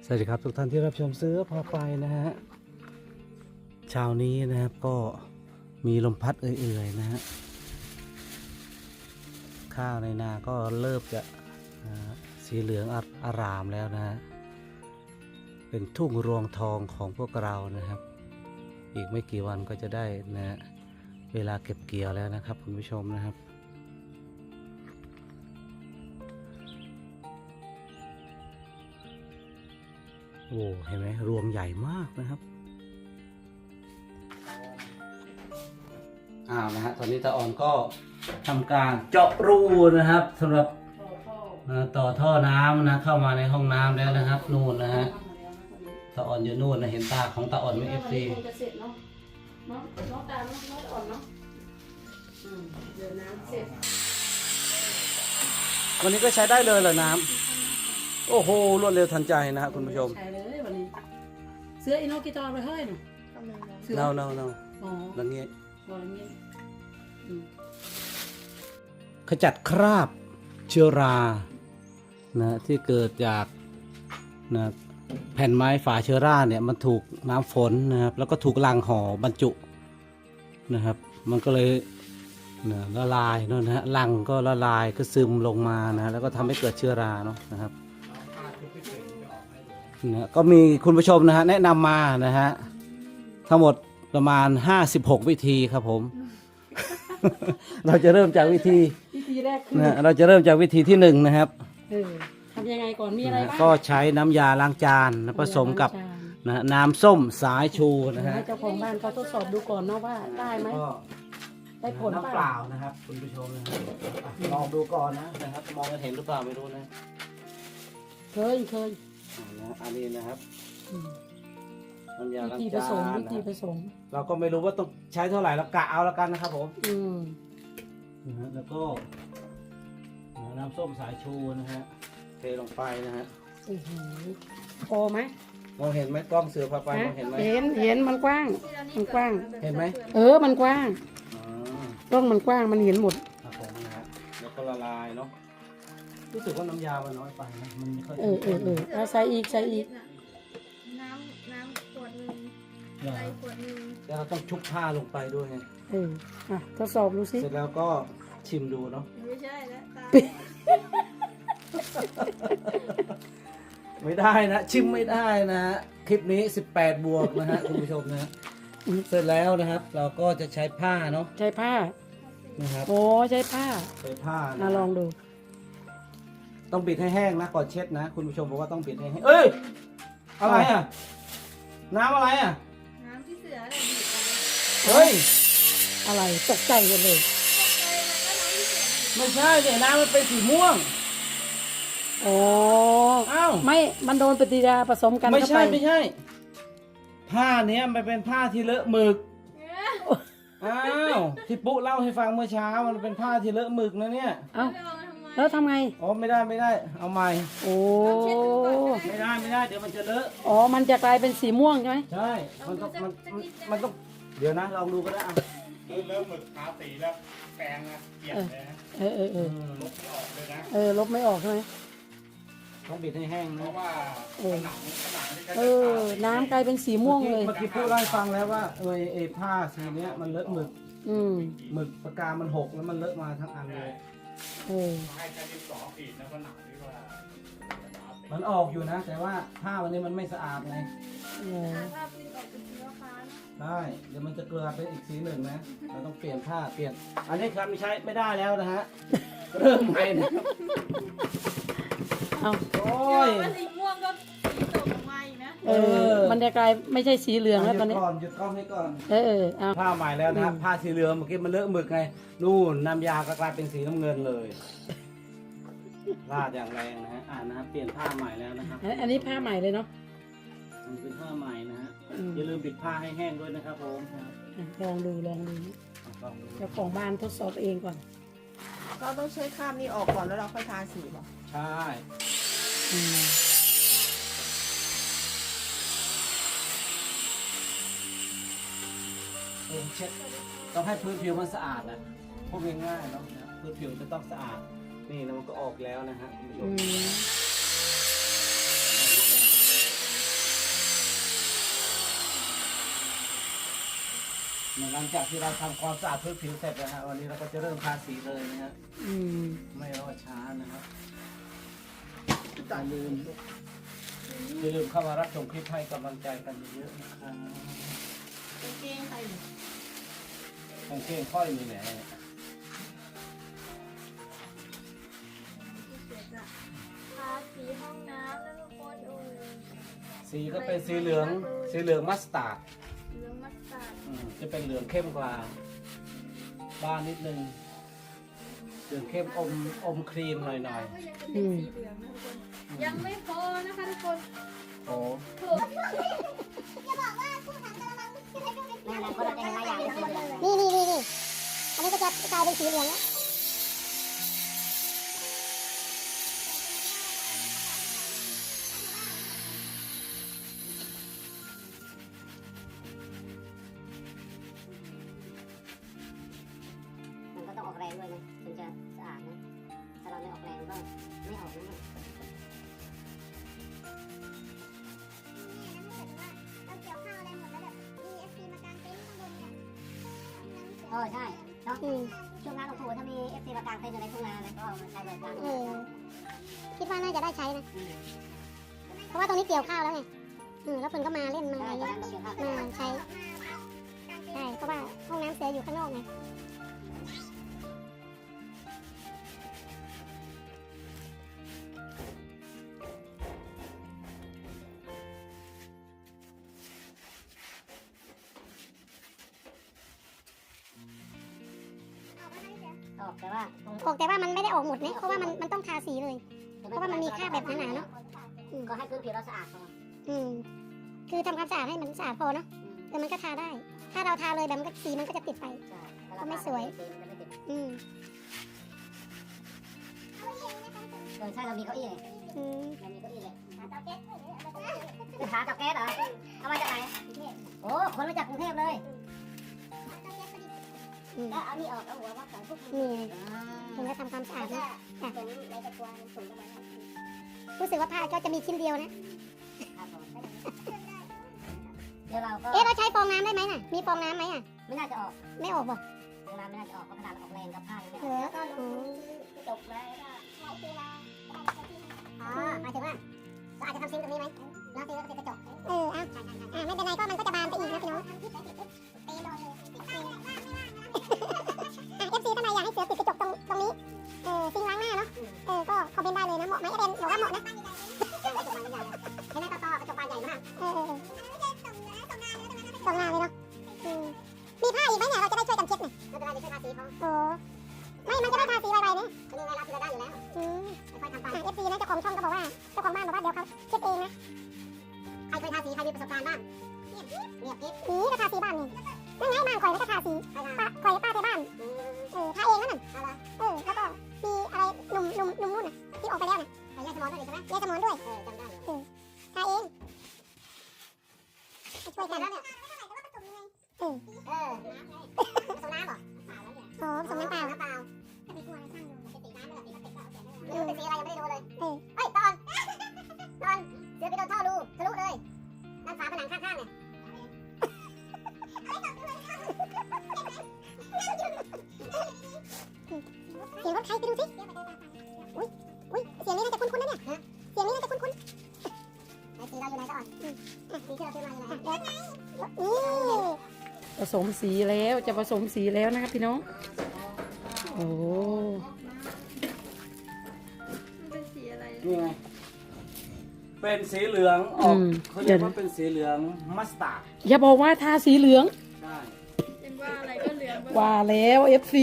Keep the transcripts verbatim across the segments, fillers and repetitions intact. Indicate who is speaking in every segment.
Speaker 1: สวัสดีครับทุกท่านที่รับชมเสื้อพาไปนะฮะเช้านี้นะครับก็มีลมพัดเอื่อยๆนะฮะข้าวในนาก็เริ่มจะสีเหลืองอารามแล้วนะฮะเป็นทุ่งรวงทองของพวกเรานะครับอีกไม่กี่วันก็จะได้นะฮะเวลาเก็บเกี่ยวแล้วนะครับคุณผู้ชมนะครับโอ้เห็นไหมรวงใหญ่มากนะครับอ้าวนะฮะตอนนี้ตาอ่อนก็ทำการเจาะรูนะครับสำหรับต่อท่อน้ำนะเข้ามาในห้องน้ำแล้วนะครับนู่นนะฮะตาอ่อนอยู่นู่นนะเห็นตาของตาอ่อนไหมเอฟซี
Speaker 2: น้องน้องตาน้องน้องอ่อนเนาะเดี๋ยวน้ำเสร็จ
Speaker 1: วันนี้ก็ใช้ได้เลยเหรอน้ำโอ้โหรวดเร็วทันใจนะครับคุณผู้ชม
Speaker 2: ใช้เลยวันนี้เสื้ออินโนกิตอนไปเฮ้ยหนู
Speaker 1: เนาเนาเนา
Speaker 2: อ๋อ
Speaker 1: ลังเงี้ย
Speaker 2: ลังเงี้ย
Speaker 1: ขจัดคราบเชื้อรานะที่เกิดจากนะแผ่นไม้ฝาเชื้อราเนี่ยมันถูกน้ำฝนนะครับแล้วก็ถูกลังห่อบรรจุนะครับมันก็เลยนะละลายเนาะนะฮะลังก็ละลายก็ซึมลงมานะแล้วก็ทำให้เกิดเชื้อราเนาะนะครับนะก็มีคุณผู้ชมนะฮะแนะนำมานะฮะทั้งหมดประมาณห้าสิบหกวิธีครับผม เราจะเริ่มจากวิธี
Speaker 2: วิธีแรกคือ
Speaker 1: นะเราจะเริ่มจากวิธีที่หนึ่งนะครับ
Speaker 2: ทำยังไงก่อนมีอะไรบ้าง
Speaker 1: ก็ใช้น้ำยาล้างจานผสมกับนะน้ำส้มสายชูนะฮะ
Speaker 2: ให้เจ้าของบ้านเขาทดสอบดูก่อนเนาะว่าได้ไหมได้ผล
Speaker 1: น้ำเปล่านะครับคุณผู้ชมนะครับลองดูก่อนนะนะครับมองกันเห็นหรือเปล่าไม่รู้นะ
Speaker 2: เคยเคย
Speaker 1: อันนี้นะครับน้ำยาล้างจาน
Speaker 2: วิธีผสมวิธีผสม
Speaker 1: เราก็ไม่รู้ว่าต้องใช้เท่าไหร่เรากะเอาแล้วกันนะครับผม
Speaker 2: อืม
Speaker 1: นะฮะแล้วก็น้ำส้มสายชูนะฮะเทลงไปนะฮะ
Speaker 2: โอ้โหพอไหม
Speaker 1: มองเห็นไหมกล้องเสือพาไปมองเห็นไหม
Speaker 2: เห็นเห็นมันกว้างมันกว้าง
Speaker 1: เห็นไหม
Speaker 2: เออมันกว้างกล้องมันกว้างมันเห็นหมด
Speaker 1: ครับผมนะฮะแล้วก็ละลายเนาะรู้สึกว่าน้ำยามันน้อยไปนะมันไม่ค่อย
Speaker 2: เออเออเออเอาใส่อีกใส่อีก
Speaker 3: น้ำน้ำขวดหนึ่งใส่ขวดหนึ่ง
Speaker 1: แล้วเราต้องชุบผ้าลงไปด้วยไง
Speaker 2: เอออ่ะทดสอบดูสิ
Speaker 1: เสร็จแล้วก็ชิมดูเนาะ
Speaker 3: ไม่ใช่แล้วตา
Speaker 1: ไม่ได้นะชิมไม่ได้นะคลิปนี้สิบแปดบวกนะฮะคุณผู้ชมนะเสร็จแล้วนะครับเราก็จะใช้ผ้าเนาะ
Speaker 2: ใช้ผ้า
Speaker 1: นะครับ
Speaker 2: โอ้ใช้ผ้า
Speaker 1: ใช้ผ้า
Speaker 2: มาลองดู
Speaker 1: ต้องบิดให้แห้งนะก่อนเช็ดนะคุณผู้ชมบอกว่าต้องบิดให้แห้งเอ้ยอะไรอ่ะน้ำอะไรอ่ะ
Speaker 3: น้ำที่เสืออะไรบีบไป
Speaker 1: เฮ้ย
Speaker 2: อะไรตกใจกันเลย
Speaker 1: ไม่ใช่เนี่ยน้ำมันเป็นสีม่วง
Speaker 2: โอ้
Speaker 1: อ้าว
Speaker 2: ไม่มันโดนปฏิกิริยาผสมกัน
Speaker 1: ไม่ใช่ไม่ใช่ผ้าเนี้ยมันเป็นผ้าที่เลอะหมึกอ้าวที่ปุ๊เล่าให้ฟังเมื่อเช้ามันเป็นผ้าที่เลอะหมึกนะเนี่ย
Speaker 2: เอ้าแล้วทำไง
Speaker 1: อ๋อไม่ได้ไม่ได้เอาใหม่
Speaker 2: โอ้
Speaker 1: ไม่ได้ไม่ได้เดี๋ยวมันจะเลอะ
Speaker 2: อ๋อมันจะกลายเป็นสีม่วงใช่ไหม
Speaker 1: ใช่มันต้องมันมันต้องเดี๋ยวนะลองดูก็ได้อ่ะ
Speaker 4: เริ่มหมึกทาสีแล้วแปรงนะเปลี่ยนเลยนะ
Speaker 2: เออเออเออ
Speaker 4: ลบไม่ออกเลยนะ
Speaker 2: เออลบไม่ออกใช่ไหม
Speaker 1: ต้องบิดให้แห้ง
Speaker 4: เพ
Speaker 1: นะ
Speaker 4: ราะว่าผนังผนังนี่ก็
Speaker 2: เออน้ำกลายเป็นสีม่วงเลย
Speaker 1: เมื่อกี้พูดให้ฟังแล้วว่าเออไอ้ผ้าสีเนี้ยมันเลอะหมึก
Speaker 2: อืม
Speaker 1: หมึกปากกามันหกแล้วมันเลอะมาทั้งอันเลย
Speaker 2: เออ
Speaker 4: ให้ใช้ดินสอขีดแล้วผนังนี่ว่า
Speaker 1: มันออกอยู่นะแต่ว่าผ้าวันนี้มันไม่สะอาดไง
Speaker 3: ถ้าปริ้นออกเป็นสีฟ้า
Speaker 1: ได้เดี๋ยวมันจะเกลือเป็นอีกสีหนึ่งนะเราต้องเปลี่ยนผ้าเปลี่ยนอันนี้ครับไม่ใช้ไม่ได้แล้วนะฮะเริ่มใหม่นะ
Speaker 2: เอา
Speaker 3: โอ้ยสีม่วงก็สีส้มใหม่นะ
Speaker 2: เออมันจะกลายไม่ใช่สีเหลืองแล้วตอนนี้
Speaker 1: ก่อนหยุดกล้องให้ก่อน
Speaker 2: เออเออเอา
Speaker 1: ผ้าใหม่แล้วนะผ้าสีเหลืองเมื่อกี้มันเลอะหมึกไงนู่นน้ำยาก็กลายเป็นสีน้ำเงินเลยราดอย่างแรงนะฮะอ่านะครับเปลี่ยนผ้าใหม่แล้วนะครับ
Speaker 2: อันนี้ผ้าใหม่เลยเนาะ
Speaker 1: มันเป็นผ้าใหม่นะฮะอย่าลืมปิดผ้าให้แห้งด้วยนะครับผม
Speaker 2: ลองดูลองดูเจ้าของบ้านทดสอบเองก่อน
Speaker 3: เราต้องใช้คราบนี้ออกก่อนแล้วเราค่อยทาสีป่ะ
Speaker 1: ใช่เช็ดต้องให้พื้นผิวมันสะอาดนะพวกง่ายๆเนาะพื้นผิวจะต้องสะอาดนี่นะมันก็ออกแล้วนะฮะคุณผู้ชมหลังจากที่เราทำความสะอาดพื้นผิวเสร็จนะฮะวันนี้เราก็จะเริ่มทาสีเลยนะฮะ
Speaker 2: อืม
Speaker 1: ไม่รอช้านะครับอย่าลืมอย่าลืมเข้ามารับชมคลิปให้กำลังใจกันเยอะๆนะครับ
Speaker 2: กางเกงใครเนี่ย
Speaker 1: กางเกงค่อยมีแหน
Speaker 3: เดี๋ยวจะทาสีห้องน้ำแล้วทุกคนโอ้ย
Speaker 1: สีก็เป็นสีเหลืองสีเหลืองมัสตาร์ด
Speaker 3: เหลืองมัสตาร์ด
Speaker 1: อืมจะเป็นเหลืองเข้มกว่าบ้านนิดนึงเหลืองเข้มอมอมครีมหน่อย
Speaker 3: ก็ยังจะเป็นสีเหลืองนะทุกคน ยังไม่พอนะคะทุกคน
Speaker 1: ๆโอ้
Speaker 3: ถูก
Speaker 5: นี่นี่นี่นี่อันนี้ก็จะกลายเป็นสีเหลืองแล้วมันก็ต้องออกแรงด้วยนะถึงจะสะอาดนะถ้าเราไม่ออกแรงก็ไม่ออกนะเนี่ยเออใช่เนาะช่วงงานของถูถ้ามีเอฟซีมากางเต็นท์อยู่ในทุ่งนานะก็มาใช้บริการเออคิดว่าน่าจะได้ใช้นะเพราะว่าตรงนี้เกี่ยวข้าวแล้วไงอืมแล้วคนก็มาเล่นมาอะไรเงี้ยมาใช้ใช่เพราะว่าห้องน้ำเสียอยู่ข้างนอกไงออกแต่ว่าออกแต่ว่ามันไม่ได้ออกหมดนะเพราะว่ามันมันต้องทาสีเลย เพราะว่ามันมีคราบแบบหนาๆเนาะก็ให้พื้นผิวเราสะอาดพออืมคือทำความสะอาดให้มันสะอาดพอเนาะเออมันก็ทาได้ ถ้าเราทาเลยแบบมันก็สีมันก็จะติดไปก็ไม่สวยอืมเออใช่เรามีเก้าอี้ไงอืมเรามีเก้าอี้เลยหาเตาแก๊สหาเตาแก๊สเหรอเอามาจากไหนโอ้คนมาจากกรุงเทพเลยก็เอานี่ออกเอาหัวมาใส่พวกนี่ถึงจะทำความสะอาดนะรู้สึกว่าผ้าก็จะมีชิ้นเดียวนะเดี๋ยวเราก็เอ๊ะเราใช้ฟองน้ำได้ไหมน่ะมีฟองน้ำไหมอ่ะไม่น่าจะออกไม่ออกบ่ฟองน้ำไม่น่าจะออกเพราะขนาดเราออกแรงกับผ้าเลยเออก็รู้จบเลยอ๋อหมายถึงว่าเราอาจจะทำซิงค์ตรงนี้ไหมแล้วซิงค์ก็ติดกระจกเอออ่ะอ่ะไม่เป็นไรก็มันก็จะบานไปอีกนะพี่น้องเอฟซีทำไมอยากให้เสือติดกระจกตรงตรงนี้เออซิงค์ล้างหน้าเนาะเออก็คอมเมนต์ได้เลยนะเหมาะไหมเอเดนบอกว่าเหมาะนะเห็นไหมต่อๆกระจกบานใหญ่มากเออตรงหน้าเลยเนาะมีผ้าอีกไหมเนี่ยเราจะได้ช่วยกันเช็ดหน่อยไม่เป็นไรจะช่วยทาสีเขาโอ้ไม่มันจะได้ทาสีไวๆเนี่ยนี่ไงเราทีละด้านอยู่แล้วอืมค่อยๆทำไปเอฟซีนะเจ้าของช่องก็บอกว่าเจ้าของบ้านบอกว่าเดี๋ยวเขาเช็ดเองนะใครเคยทาสีใครมีประสบการณ์บ้างเงียบเงียบกิ๊บนี่ก็ทาสีบ้านนี่นั่นไงบ้านข่อยแล้วก็ทาสีป้าข่อยป้าที่บ้านเออทาเองนั่นน่ะเออแล้วก็มีอะไรหนุ่มหนุ่มหนุ่มนู่นน่ะที่ออกไปแล้วน่ะยายสมอนด้วยใช่ไหมยายสมอนด้วยเออจำได้เออทาเองช่วยกันแล้วเนี่ยเออเออผสมน้ำเหรอโอ้ผสมน้ำเปล่าน้ำเปล่าถ้ามีกลัวอะไรช่างดูเป็นสีน้ำไม่แบบสีพลาสติกก็เอาเสียไม่ได้ไม่รู้เป็นสีอะไรยังไม่ได้ดูเลยเออเฮ้ยตอนตอนเสือไปโดนท่อรูทะลุเลยด้านฝาผนังข้างๆเนี่ยเสียงรถใครไปดูสิอุ้ยอุ้ยเสียงนี้น่าจะคุ้นๆนะเนี่ยเสียงนี้น่าจะคุ้นๆไอ้สีเราอยู่ไหนก็อ่อนสีที่เราซื้อมาอยู่ไหนนี่
Speaker 2: ผสมสีแล้วจะผสมสีแล้วนะครับพี่น้องโอ้
Speaker 3: มันเป็นสีอะไร
Speaker 1: นี่ไงเป็นสีเหลืองออกเขาเรียกว่าเป็นสีเหลืองมัสตาร์ด
Speaker 2: อย่าบอกว่าทาสีเหลือง
Speaker 1: ใช่
Speaker 3: เป็นว่าอะไรก็เหลือง
Speaker 2: ว่าแล้วเอฟซี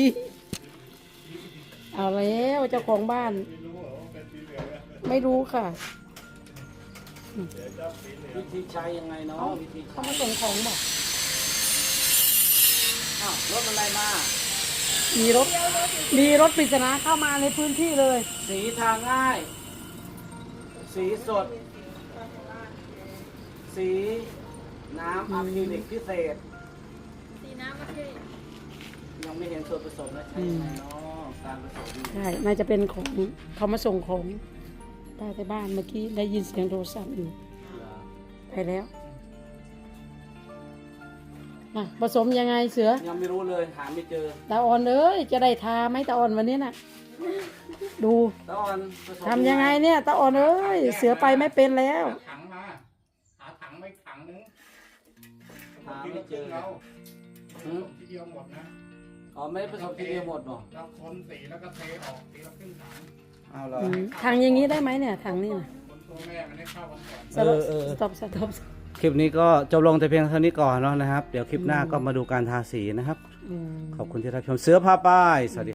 Speaker 2: เอาแล้วเจ้าของบ้าน ไม่รู้ค่ะ
Speaker 1: วิธีใช้ยังไงเนาะวิธี
Speaker 2: เขามาส่งของบอก
Speaker 1: อ้าวรถอะไรมา
Speaker 2: มีรถมีรถปริศนาเข้ามาในพื้นที่เลย
Speaker 1: สีทาง่าย สีสด สีน้ำอะคริลิกพิเศษ
Speaker 3: สีน้ำมะเขือ
Speaker 1: ยังไม่เห็นส่วนผสมนะใช่ยังไงเนาะการผสม
Speaker 2: ใช่น่าจะเป็นของเขามาส่งของป้าที่บ้านเมื่อกี้ได้ยินเสียงโทรศัพท์อยู่ไปแล้วอ่ะผสมยังไงเสือ
Speaker 1: ยังไม่รู้เลยหาไม่เจอ
Speaker 2: ตาอ่อนเอ้ยจะได้ทาไหมตาอ่อนวันนี้น่ะ ดู
Speaker 1: ตะออนผสม
Speaker 2: ทำยังไงเนี่ยตาอ่อนเอ้ยเสือไปไม่เป็นแล้ว
Speaker 4: หาถังมาหาถังไม่ถังนึง
Speaker 1: หาไม่เจอ
Speaker 4: เรา
Speaker 1: หืม
Speaker 4: ทีเดียวหมดนะ
Speaker 1: อ๋อไม่ได้ผสมทีเดียวหมดหรอ
Speaker 4: เราคนสีแล้วก็เทออกทีละครึ่งถัง
Speaker 1: เอาเหรอ
Speaker 2: อืมทางอย่างนี้ได้ไหมเนี่ยทางนี้น่ะ
Speaker 4: คนตัวแม่มันได้เข้ากันก่อน
Speaker 2: สต็อป
Speaker 1: เออเออ
Speaker 2: สต็อปสต็อป
Speaker 1: คลิปนี้ก็จบลงแต่เพียงเท่านี้ก่อนเนาะนะครับ เดี๋ยวคลิปหน้าก็มาดูการทาสีนะครับ
Speaker 2: อืม
Speaker 1: ขอบคุณที่รับชมเสือพาป้ายสวัสดี